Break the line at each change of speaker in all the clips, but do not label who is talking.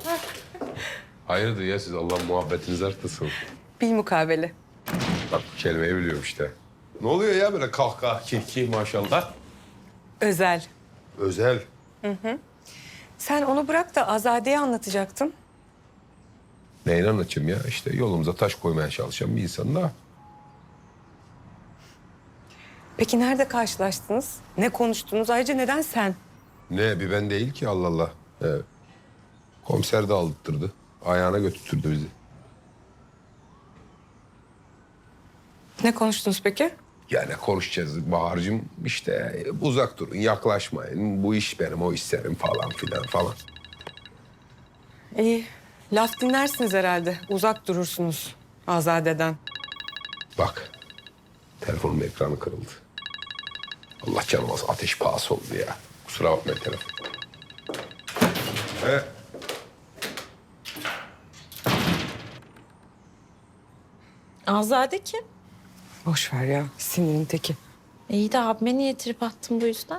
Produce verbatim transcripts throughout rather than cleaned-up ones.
Hayırdır ya siz Allah muhabbetiniz arttırsın.
Bil mukabele.
Bak kelimeyi biliyorum işte. Ne oluyor ya böyle kahkaha, kiki maşallah?
Özel.
Özel.
Sen onu bırak da Azade'ye anlatacaktın.
Neyini anlatayım ya? İşte yolumuza taş koymaya çalışan bir insan da.
Peki nerede karşılaştınız? Ne konuştunuz? Ayrıca neden sen?
Ne bir ben değil ki Allah Allah. Evet. Komiser de aldırttırdı. Ayağına götürttürdü bizi.
Ne konuştunuz peki?
Yani konuşacağız Bahar'cığım işte uzak durun yaklaşmayın. Bu iş benim o iş senin falan filan falan.
İyi. Laf dinlersiniz herhalde. Uzak durursunuz Azade'den.
Bak telefonun ekranı kırıldı. Allah canım az ateş pahası oldu ya. Kusura bakmayın telefon. He.
Azade kim?
Boş ver ya. Sinirin teki.
İyi de abime niye trip attın bu yüzden?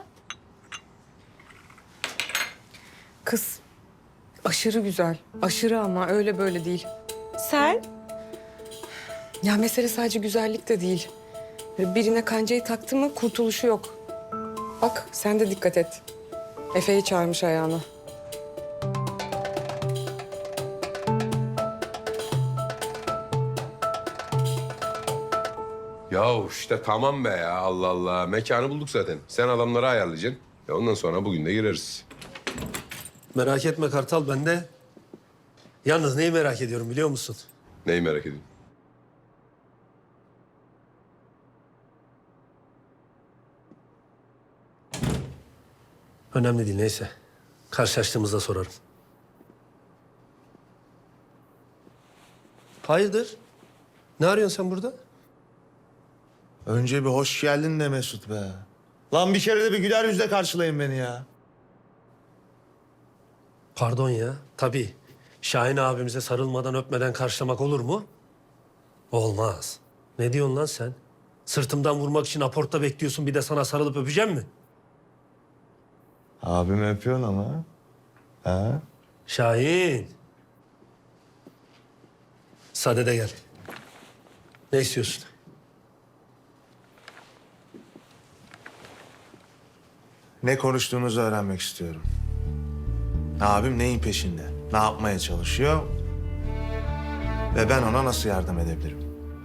Kız. Aşırı güzel. Aşırı ama öyle böyle değil.
Sen?
Ya mesele sadece güzellik de değil. Birine kancayı taktı mı kurtuluşu yok. Bak sen de dikkat et. Efe'yi çağırmış ayağına.
Ya işte tamam be ya Allah Allah. Mekanı bulduk zaten. Sen adamları ayarlayacaksın. E ondan sonra bugün de gireriz.
Merak etme Kartal, ben de. Yalnız neyi merak ediyorum biliyor musun?
Neyi merak ediyorsun?
Önemli değil, neyse. Karşılaştığımızda sorarım. Hayırdır? Ne arıyorsun sen burada?
Önce bir hoş geldin de Mesut be. Lan bir kere de bir güler yüzle karşılayın beni ya.
Pardon ya. Tabii. Şahin abimize sarılmadan öpmeden karşılamak olur mu? Olmaz. Ne diyorsun lan sen? Sırtımdan vurmak için aportta bekliyorsun, bir de sana sarılıp öpeceğim mi?
Abim öpüyorsun ama. Ha?
Şahin. Sade de gel. Ne istiyorsun?
Ne konuştuğunuzu öğrenmek istiyorum. Abim neyin peşinde? Ne yapmaya çalışıyor? Ve ben ona nasıl yardım edebilirim?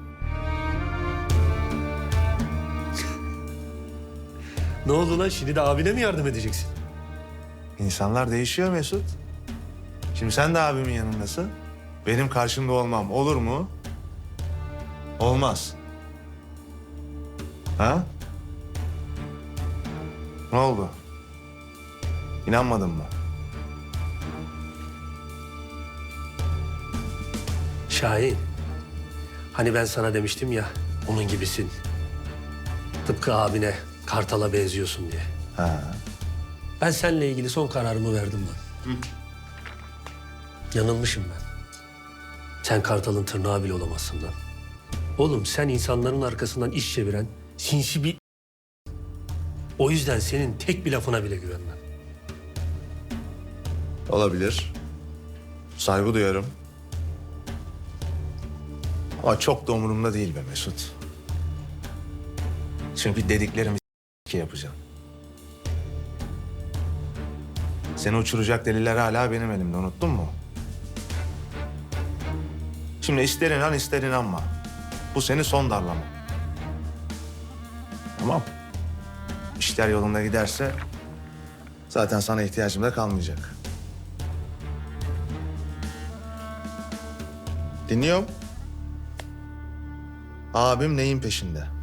Ne oldu lan? Şimdi de abine mi yardım edeceksin?
İnsanlar değişiyor Mesut. Şimdi sen de abimin yanındasın. Benim karşımda olmam olur mu? Olmaz. Ha? Ne oldu? İnanmadın mı?
Şahin. Hani ben sana demiştim ya, onun gibisin. Tıpkı abine, Kartal'a benziyorsun diye.
Ha.
Ben seninle ilgili son kararımı verdim lan. Yanılmışım ben. Sen Kartal'ın tırnağı bile olamazsın lan. Oğlum sen insanların arkasından iş çeviren sinsi bir... O yüzden senin tek bir lafına bile güvenmem.
Olabilir. Saygı duyarım. Ama çok da umurumda değil be Mesut. Çünkü dediklerimi s**k yapacağım. Seni uçuracak deliller hala benim elimde, unuttun mu? Şimdi ister inan ister inanma. Bu seni son darlama. Tamam. İşler yolunda giderse zaten sana ihtiyacım da kalmayacak. Dinliyorum. Abim neyin peşinde?